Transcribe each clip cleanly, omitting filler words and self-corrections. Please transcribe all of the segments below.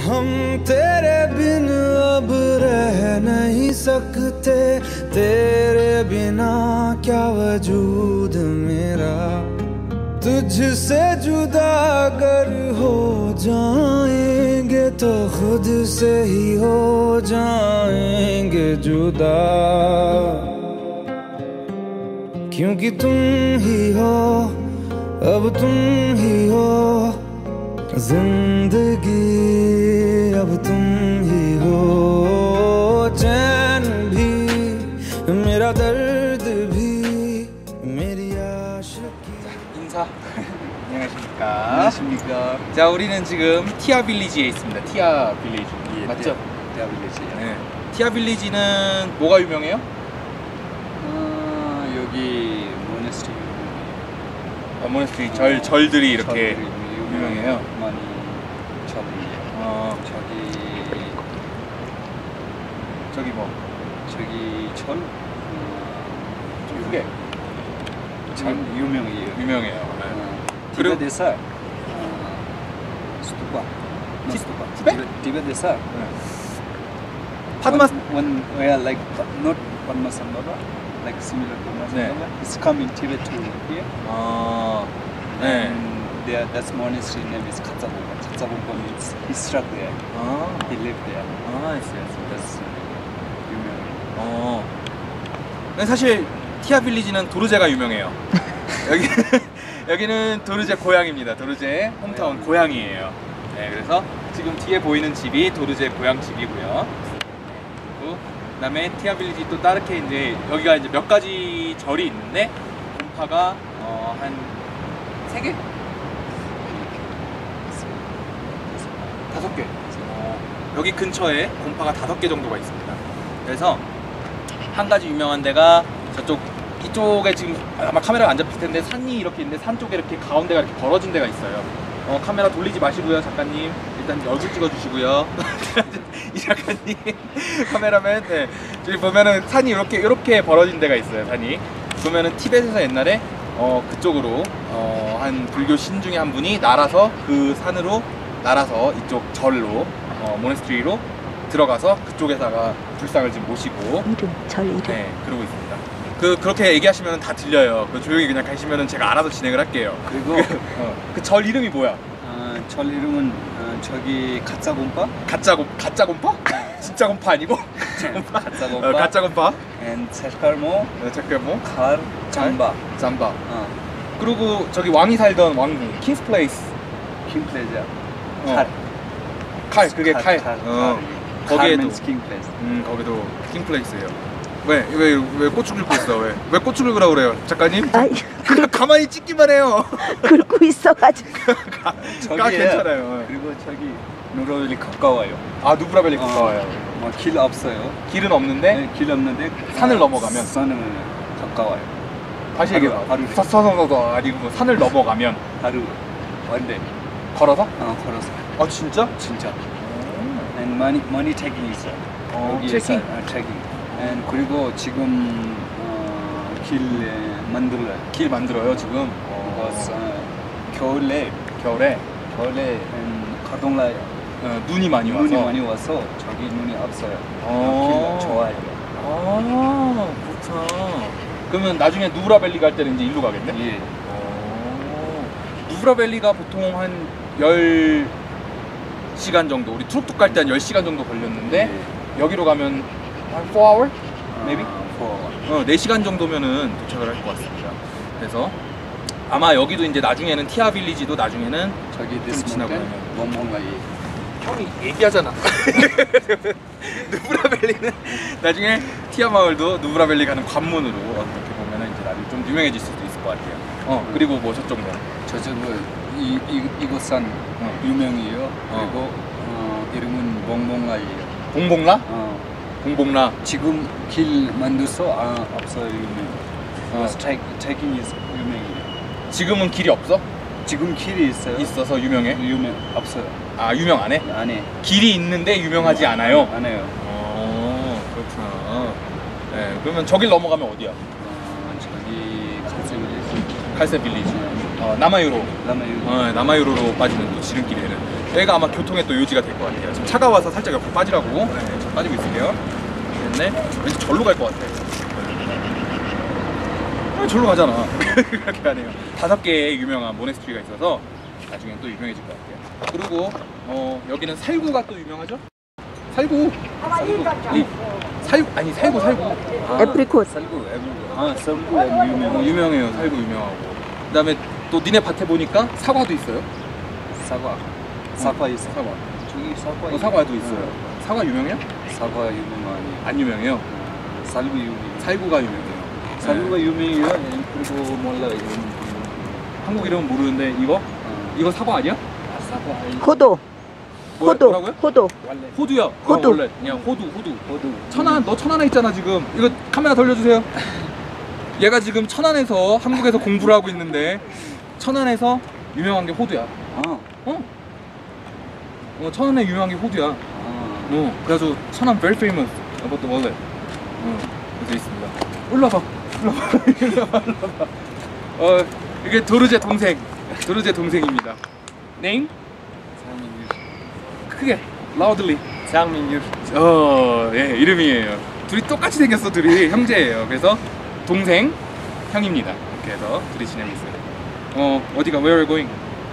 हम तेरे बिन अब रह नहीं सकते, तेरे बिना क्या वजूद मेरा। तुझसे जुदा अगर हो जाएंगे तो खुद से ही हो जाएंगे जुदा, क्योंकि तुम ही हो, अब तुम ही हो जिंदगी, अब तुम ही हो चैन भी, मेरा दर्द भी, मेरी आशिकी। 인사. 안녕하십니까. 안녕하십니까. 자, 우리는 지금 티아 빌리지에 있습니다. 티아 빌리지. 예, 맞죠? 티아 빌리지. 네. 티아 빌리지는 뭐가 유명해요? 여기 모네스트리. 모네스트리 절들이 이렇게 유명해요. 많이 절이. 저기 뭐? 저기 절. 크게. 참 유명해요. 유명해요. 네. 그리고 티베트에서 스투파. 티베트에서 파드마스. one where like not Padmasambhava, like similar to Padmasambhava. It's come in Tibet to here. 네. And there, that's monastery name is Katsabompa. Katsabompa means he struck there. He lived there. yes. That's 유명해요. 근데 사실 티아 빌리지는 도르제가 유명해요. 여기는 도르제 고향입니다. 도르제 홈타운 고향이에요. 네, 그래서 지금 뒤에 보이는 집이 도르제 고향 집이고요. 그리고 그다음에 티아 빌리지 또 다르게 이제 여기가 이제 몇 가지 절이 있는데 곰파가 한 3개? 5개. 여기 근처에 곰파가 5개 정도가 있습니다. 그래서 한 가지 유명한 데가 이쪽에 지금 아마 카메라가 안 잡힐 텐데 산이 이렇게 있는데 산 쪽에 이렇게 가운데가 이렇게 벌어진 데가 있어요. 카메라 돌리지 마시고요, 작가님. 일단 얼굴 찍어주시고요. 이 작가님, 카메라맨. 네. 저기 보면은 산이 이렇게 벌어진 데가 있어요. 산이. 보면은 티벳에서 옛날에 그쪽으로 한 불교 신 중에 한 분이 날아서 그 산으로 날아서 이쪽 절로 모네스트리로 들어가서 그쪽에다가 불상을 지금 모시고 절 이름. 네, 그러고 있습니다. 그렇게 얘기하시면 다 들려요. 조용히 그냥 가시면 제가 알아서 진행을 할게요. 그리고 그 절 이름이 뭐야? 절 이름은 저기 가짜곰파? 가짜 곰파? 진짜 곰파 아니고? 가짜곰파. 가짜 곰파. And 체카모. 잠깐만. 칼 잠바. 잠바. 그리고 저기 왕이 살던 왕궁 킹스 플레이스. 킹 플레이스. 칼 그게 칼. 거기에도 킹 플레이스. 거기도 킹 플레이스예요. 왜 고추 긁고 있어? 왜 고추 긁으라고 그래요, 작가님? 아이, 가만히 찍기만 해요. 긁고 있어가지고. 괜찮아요. 그리고 저기 누브라벨리 가까워요. 누브라벨리 가까워요. 길 없어요. 길은 없는데? 네, 길 없는데 산을 넘어가면? 산은 가까워요. 다시 얘기해 봐. 서서서서 아니고 산을 넘어가면? 하루 원데. 걸어서? 걸어서. 진짜? 진짜. And money taking 있어요. 트레킹? 트레킹. 그리고 지금 길 만들어요 지금. 겨울에 가동라요. 눈이 많이 와서 저기 눈이 없어요. 길 좋아요. 그렇구나. 그러면 나중에 누브라벨리 갈 때는 이제 일로 가겠네? 예. 누브라벨리가 보통 한 10시간 정도, 우리 툭툭 갈 때 한 10시간 정도 걸렸는데 여기로 가면 한 4hour? Maybe? 4hour. 4시간 정도면은 도착을 할 것 같습니다. 그래서 아마 여기도 이제 나중에는 티아 빌리지도 나중에는 저기 좀 지나고 나면 뭔가 형이 얘기하잖아. 누브라벨리는 나중에 티아 마을도 누브라벨리 가는 관문으로 어떻게 보면은 이제 나중에 좀 유명해질 수도 있을 것 같아요. 그리고 뭐 저쪽은 저쪽은 이곳 산 유명해요. 그리고 이름은 봉봉라예요. 봉봉라? 봉봉라. 지금 길 만들어서 없어요. 유명. 트레킹 유명해요. 지금은 길이 없어? 지금 길이 있어요. 있어서 유명해? 없어요. 유명 안 해? 안 해. 길이 있는데 유명하지 않아요? 안 해요. 그렇구나. 네, 그러면 저길 넘어가면 어디야? 저기 칼세 빌리지. 칼세 빌리지. 남아유로. 남아유로. 남아유로로 빠지는 또 지름길이에요. 여기가 아마 교통의 또 요지가 될 것 같아요. 지금 차가 와서 살짝 옆으로 빠지라고. 네, 지금 빠지고 있을게요. 네, 왠지 절로 갈 것 같아. 절로 가잖아. 그렇게 하네요. 5개의 유명한 모네스트리가 있어서 나중에 또 유명해질 것 같아요. 그리고 여기는 살구가 또 유명하죠? 살구. 살구. 애프리콧. 살구 유명. 유명해요. 살구 유명하고. 그다음에 또 니네 밭에 보니까 사과도 있어요. 사과 있어. 사과. 저기 사과. 사과도 있어요. 사과 유명해요? 사과 유명 아니. 안 유명해요. 살구 유명. 살구가 유명해요. 살구가 유명해요. 그리고 몰라 이름. 한국 이름은 모르는데 이거 사과 아니야? 사과. 호도. 뭐라고요? 호도. 호두야. 호두. 원래 그냥 호두. 호두. 너 천안에 있잖아 지금. 이거 카메라 돌려주세요. 얘가 지금 천안에서 한국에서 공부를 하고 있는데 천안에서 유명한 게 호두야. 천안에 유명한 게 호두야. 그래서 천안 very famous about the wallet. 그래서 있습니다. 올라봐. 이게 도르제 동생입니다. name? 크게 loudly. 장민유. 예, 이름이에요. 둘이 똑같이 생겼어. 둘이 형제예요. 그래서 동생 형입니다. 이렇게 해서 둘이 지내고 있어요. 어디가 where are you going?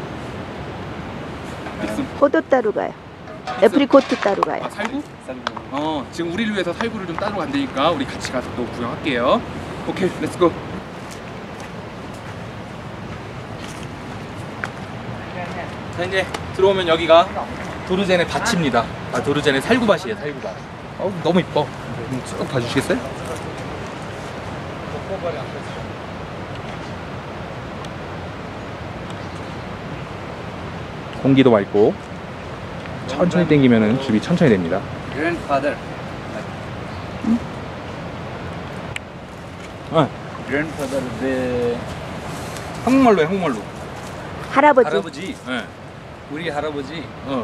호도 따로 가요. 애프리콧 따로 가요. 살구? 지금 우리를 위해서 살구를 좀 따로 간다니까 우리 같이 가서 또 구경할게요. 오케이, 렛츠고. 자, 이제 들어오면 여기가 도르젠의 밭입니다. 도르젠의 살구밭이에요. 살구밭. 너무 이뻐. 쭉 봐주시겠어요? 공기도 맑고 천천히 당기면은 줍이 천천히 됩니다. Grandfather. Grandfather 내 한국말로 해, 한국말로. 할아버지. 네. 우리 할아버지.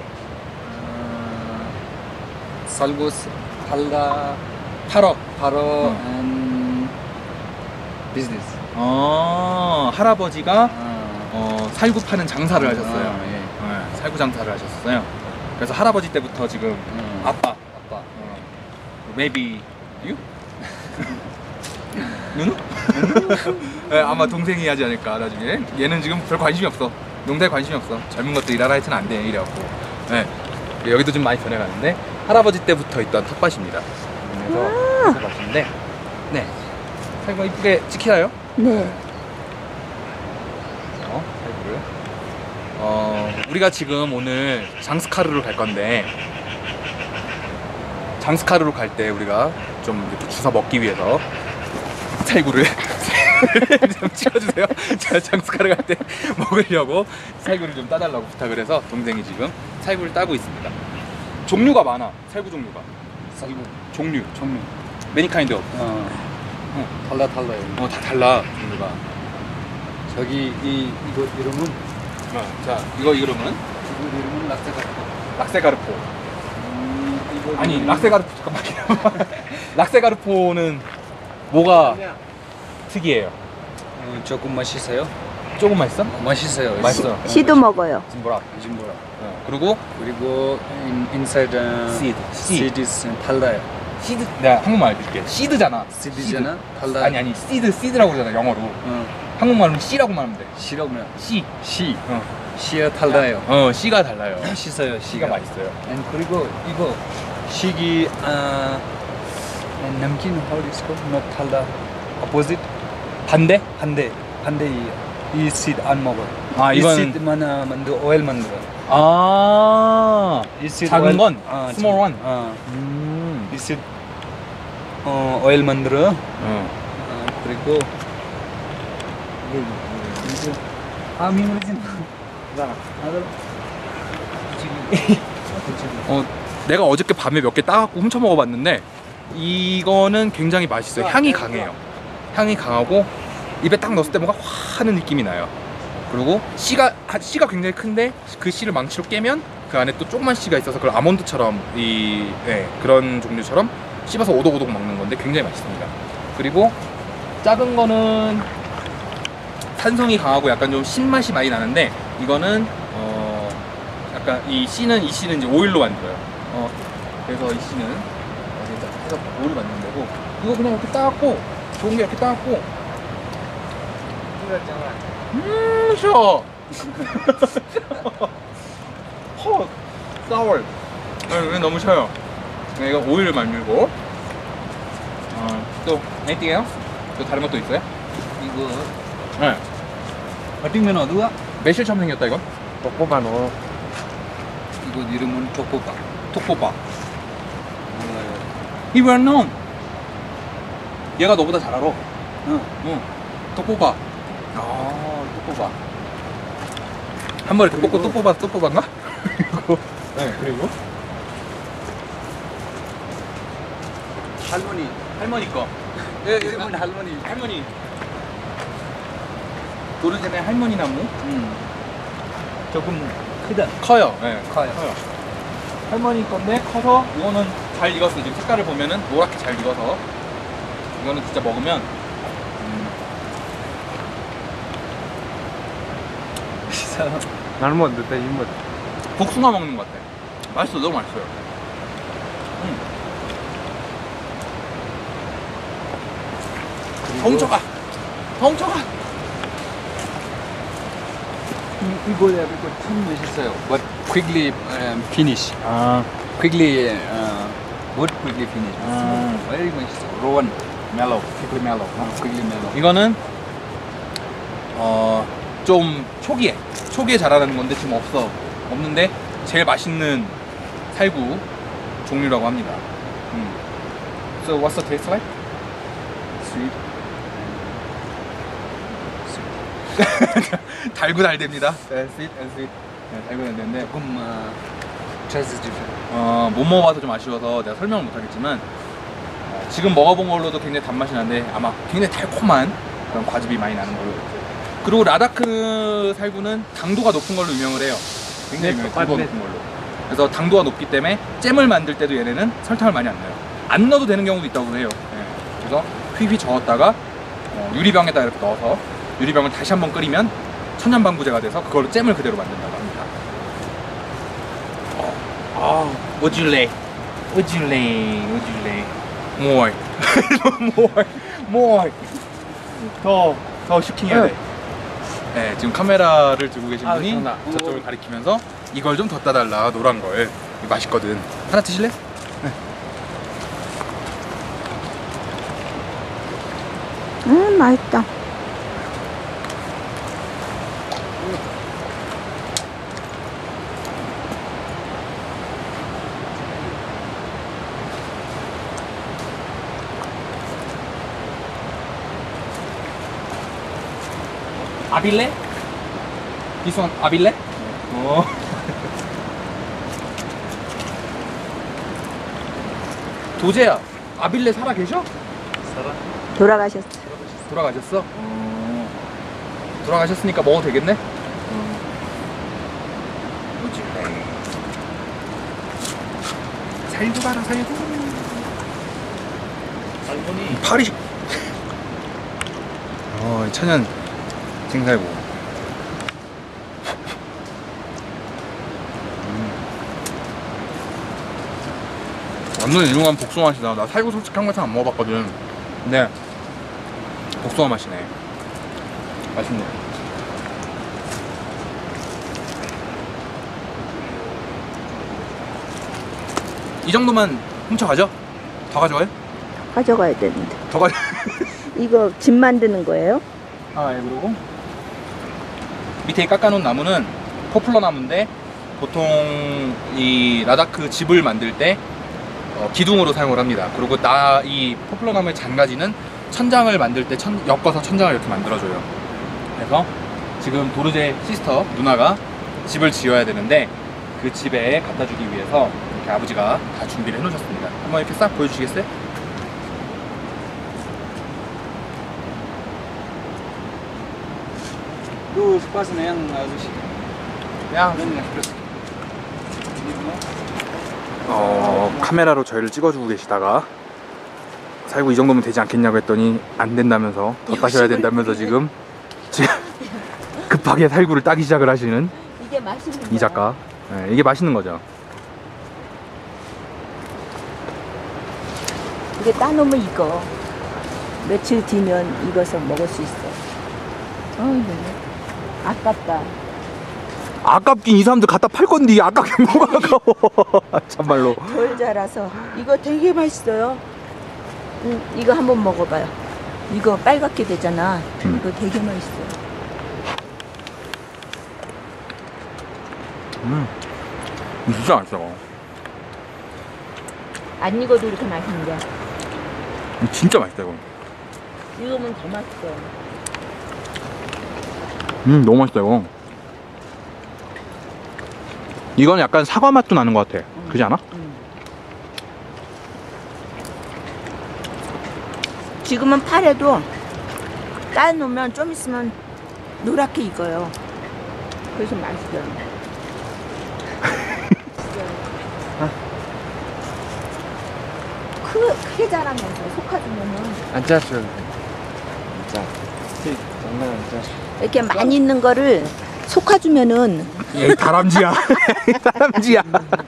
살고스 팔다 팔어. and business. 할아버지가 살구 파는 장사를 하셨어요. 예. 네, 살구 장사를 하셨어요. 그래서 할아버지 때부터 지금 아빠. Maybe you? 누누? 네, 아마 동생이 하지 않을까 나중에. 얘는 지금 별 관심이 없어. 농사에 관심이 없어. 젊은 것들 일하라 해서는 안 돼. 이래갖고. 네. 여기도 좀 많이 변해가는데 할아버지 때부터 있던 텃밭입니다. 그래서 텃밭인데 네. 살구가 이쁘게 찍히나요? 네. 살구를. 우리가 지금 오늘 장스카르로 갈 건데 장스카르로 갈 때 우리가 좀 이렇게 주워 먹기 위해서 살구를 좀 찍어주세요. 제가 장스카르 갈 때 먹으려고 살구를 좀 따달라고 부탁을 해서 동생이 지금 살구를 따고 있습니다. 종류가 많아. 살구 종류가. 살구 종류. Many kind of. 달라요. 다 달라 종류가. 저기 이거 이름은 자, 이거 이름은 이거 이름은 락세가르포. 이거 아니 이름은 락세가르포 잠깐만요. 락세가르포는 뭐가 특이해요? 조금 맛있어요. 조금 맛있어? 맛있어요. 맛있어. 씨도 먹어요. 짐보라. 짐보라. 그리고 inside seed. is 달라요. 시드. 내가 한국말 알려줄게. 시드잖아. seed잖아. 달라요. 아니 시드라고 하잖아 영어로. 한국말로는 씨라고 말하면 돼. 시라고요. 씨. 씨가 달라요. 씨가 달라요. 맛있어요. 씨가 맛있어요. 그리고 이거 시기 남긴 how is called? not 달라. opposite. 반대? 이 seed 안 먹어. 이 이건 seed 만들어 oil 만들어. 이 seed 작은 oil, 건 small one. 이 seed oil 만들어. 그리고 내가 어저께 밤에 몇 개 따갖고 훔쳐 먹어봤는데 이거는 굉장히 맛있어요. 향이 강해요. 향이 강하고 입에 딱 넣었을 때 뭔가 확 하는 느낌이 나요. 그리고 씨가 굉장히 큰데 그 씨를 망치로 깨면 그 안에 또 조그만 씨가 있어서 그걸 아몬드처럼 그런 종류처럼 씹어서 오독오독 먹는 건데 굉장히 맛있습니다. 그리고 작은 거는 탄성이 강하고 약간 좀 신맛이 많이 나는데 이거는 약간 이 씨는 이제 오일로 만들어요. 그래서 이 씨는 해서 오일 만드는 거고 이거 그냥 이렇게 따갖고 좋은 게 이렇게 따갖고 쉬어. 싸월. 너무 쉬어요. 이거 오일을 만들고 또 anything else? 또 다른 것도 있어요? 이거 네. 버팅면 어디가? 매실처럼 생겼다 이건? 뽀뽀바노. 이거 이름은 톡볶아. 톡뽀빠. He well known. 얘가 너보다 잘 알아. 응. 톡뽀빠. 톡뽀빠. 한 번에 뽑고 또 뽑아 또 뽑았나? 네. 그리고 할머니 거. 이름은 할머니. 할머니. 도르젠의 할머니 나무. 조금 크다. 커요. 네. 커요. 할머니 건데 커서 이거는 잘 익었어. 지금 색깔을 보면은 노랗게 잘 익어서 이거는 진짜 먹으면 나는 뭐 늦다 이뭐. 복숭아 먹는 것 같아. 맛있어. 너무 맛있어요. 덩쳐가. 이거 참 맛있어요. But quickly finish. quickly finish. Very 맛있어. Rowan, mellow, quickly mellow. quickly mellow. 이거는 좀 초기에 자라는 건데 지금 없는데 제일 맛있는 살구 종류라고 합니다. So what's the taste like? Sweet. 달고 달됩니다. Sweet and sweet. 네, 달고 달되는데 조금 taste different. 못 먹어봐서 좀 아쉬워서 내가 설명을 못하겠지만 지금 먹어본 걸로도 굉장히 단맛이 나는데 아마 굉장히 달콤한 그런 과즙이 많이 나는 걸로. 그리고 라다크 살구는 당도가 높은 걸로 유명을 해요. 굉장히 유명해요. 당도가 높은 걸로. 그래서 당도가 높기 때문에 잼을 만들 때도 얘네는 설탕을 많이 안 넣어요. 안 넣어도 되는 경우도 있다고 해요. 네. 그래서 휘휘 저었다가 유리병에다 이렇게 넣어서 유리병을 다시 한번 끓이면 천연방부제가 돼서 그걸로 잼을 그대로 만든다고 합니다. Would you like? More. more. 더 슈킹해야 돼. 네, 지금 카메라를 들고 계신 분이 저쪽을 가리키면서 이걸 좀 더 따달라. 노란 걸. 맛있거든. 하나 드실래? 맛있다. 아빌레? This one 아빌레? 도재야, 아빌레 살아 계셔? 돌아가셨어. 돌아가셨어? 돌아가셨으니까 먹어도 되겠네? 살구 봐라, 살구. 할머니. 파리. 천연 생살구. 완전 유명한 복숭아 맛이다. 나 살구 솔직히 한국에서 안 먹어봤거든. 근데 복숭아 맛이네. 맛있네. 이 정도만 훔쳐가죠? 더 가져가요? 가져가야 되는데. 더 가져. 이거 집 만드는 거예요? 아, 예, 그리고 밑에 깎아놓은 나무는 포플러 나무인데 보통 이 라다크 집을 만들 때 기둥으로 사용을 합니다. 그리고 이 포플러 나무의 잔가지는 천장을 만들 때 엮어서 천장을 이렇게 만들어줘요. 그래서 지금 도르제 시스터 누나가 집을 지어야 되는데 그 집에 갖다 주기 위해서 이렇게 아버지가 다 준비를 해놓으셨습니다. 한번 이렇게 싹 보여주시겠어요? Tuh sepasnya yang harus 야, 카메라로 저희를 찍어주고 계시다가 살구 이 정도면 되지 않겠냐고 했더니 안 된다면서 더 따셔야 된다면서 지금 지금 급하게 살구를 따기 시작을 하시는 이게 맛있는 이 작가. 네, 이게 맛있는 거죠. 이게 따놓으면 이거 며칠 뒤면 익어서 먹을 수 있어. 이거 아깝다. 아깝긴 이 사람들 갖다 팔 건데 아깝긴 뭐가 아까워. 참말로. 덜 자라서 이거 되게 맛있어요. 이거 한번 먹어봐요. 이거 빨갛게 되잖아. 이거 되게 맛있어요. 진짜 맛있어. 안 익어도 이렇게 맛있는데 진짜 맛있다 이거. 익으면 더 맛있어. 너무 맛있다 이거. 이건 약간 사과 맛도 나는 것 같아. 그렇지 않아? 지금은 파래도 따놓으면 좀 있으면 노랗게 익어요. 그래서 맛있어요. 크게 자라면서 속아주면은 안 짰죠. 짜. 장난 안 짜. 이렇게 많이 있는 거를 속아주면은 얘 다람쥐야. 다람쥐야.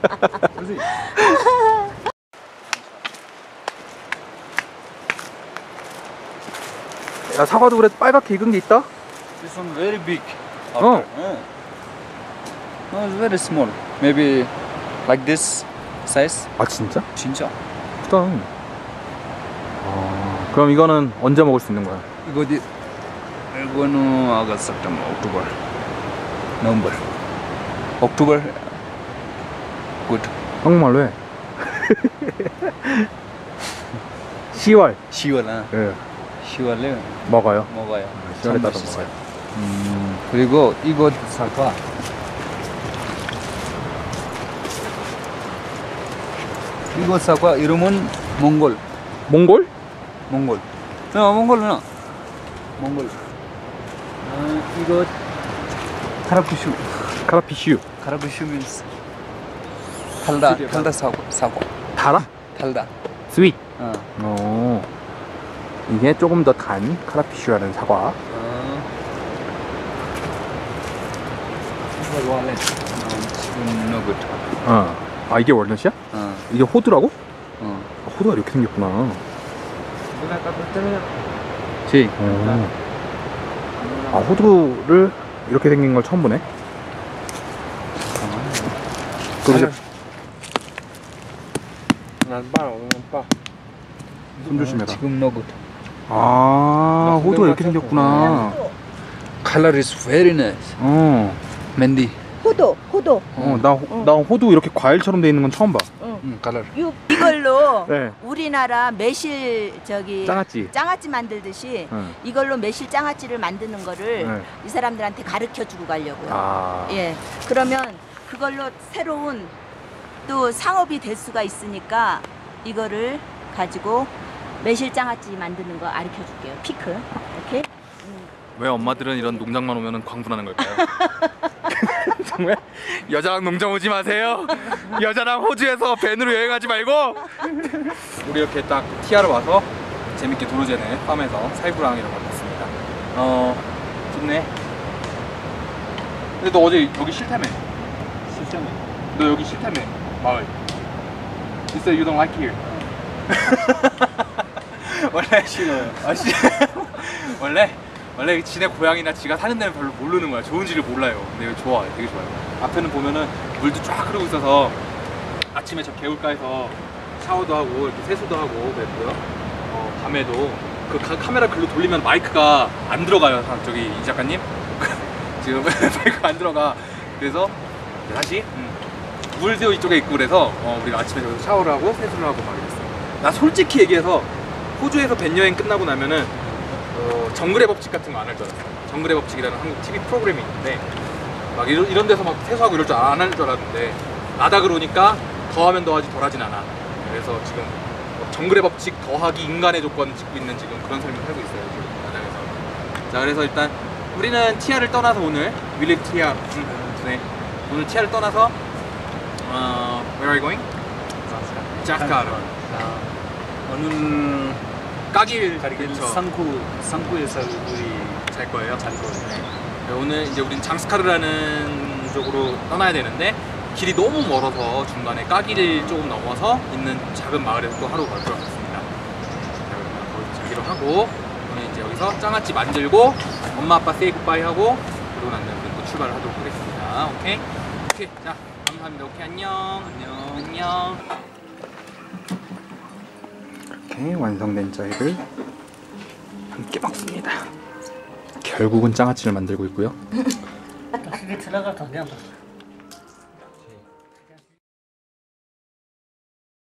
야, 사과도 그래 빨갛게 익은 게 있다? This one very big. Oh. No, it's very small. Maybe like this size. 아 진짜? 진짜. 크다. 그럼 이거는 언제 먹을 수 있는 거야? 이거는 아가스, september, october, november, october. Good. 한국말로 해. 10월. 10월. 예. 10월에 먹어요. 먹어요. 10월에 따서 맛있어요. 먹어요. 그리고 이거 사과. 이거 사과 이름은 몽골. 몽골? 몽골. 몽골. 이거 카라푸슈. 카라피슈. 카라푸슈 means 달다 사과. 달아? 달다. 스윗. 어. 이게 조금 더 단 카라피슈라는 사과. 이거 월렛. 지금 no good. 아 이게 월넛이야? 이게 호두라고? 호두가 이렇게 생겼구나. 지. 아 호두를 이렇게 생긴 걸 처음 보네. 그럼 손 조심해라. 지금 no good. 아 호두가 이렇게 생겼구나. Color is very nice. 맨디. 호도. 나 호두 이렇게 과일처럼 돼 있는 건 처음 봐. color. 이걸로 네. 우리나라 매실 장아찌 만들듯이 이걸로 매실 장아찌를 만드는 거를 이 사람들한테 가르쳐 주고 가려고요. 예. 그러면 그걸로 새로운 또 상업이 될 수가 있으니까 이거를 가지고 매실 장아찌 만드는 거 가르쳐 줄게요. 피크. 이렇게. 왜 엄마들은 이런 농장만 오면은 광분하는 걸까요? 정말 여자랑 농장 오지 마세요. 여자랑 호주에서 밴으로 여행하지 말고. 우리 이렇게 딱 티아로 와서 재밌게 도로제네 팜에서 살구랑이라고 왔습니다. 좋네. 근데 너 어제 여기 싫다며? 너 여기 싫다며? 마을. You said you don't like here. 원래 싫어요. 원래 지네 고향이나 지가 사는 데는 별로 모르는 거야. 좋은지를 몰라요. 근데 이거 좋아, 되게 좋아요. 앞에는 보면은 물도 쫙 흐르고 있어서 아침에 저 개울가에서 샤워도 하고 이렇게 세수도 하고 그랬고요. 밤에도 그 카메라 글로 돌리면 마이크가 안 들어가요. 저기 이 작가님 지금 마이크가 안 들어가. 그래서 다시 물도 이쪽에 있고 그래서 우리가 아침에 저기서 샤워를 하고 세수를 하고 막 이랬어요. 나 솔직히 얘기해서 호주에서 밴 여행 끝나고 나면은 정글의 법칙 같은 거 안 할 줄 알았어요. 정글의 법칙이라는 한국 TV 프로그램이 있는데 막 이런 데서 막 세수하고 이럴 줄 안 할 줄 알았는데 나다 그러니까 더하면 더하지 덜하진 않아. 그래서 지금 정글의 법칙 더하기 인간의 조건 짓고 있는 지금 그런 삶을 살고 있어요. 지금 나장에서. 자, 그래서 일단 우리는 티아를 떠나서 오늘 윌리 티아 네. 오늘 티아를 떠나서 where are you going? 자카르. 오늘 까길 가리길 근처. 상구에서 우리 잘 거예요. 네. 오늘 이제 우린 장스카르라는 쪽으로 떠나야 되는데 길이 너무 멀어서 중간에 까기를 조금 넘어서 있는 작은 마을에서 또 하루 걸도록 하겠습니다. 거기서 자기로 하고 저는 이제 여기서 장아찌 만들고 엄마 아빠 세이 굿바이 하고 그러고 난 다음에 또 출발을 하도록 하겠습니다. 오케이? 오케이. 자, 감사합니다. 오케이, 안녕. 안녕. 이렇게 완성된 짜이를 함께 먹습니다. 결국은 장아찌를 만들고 있고요. 그게 들어가서 그냥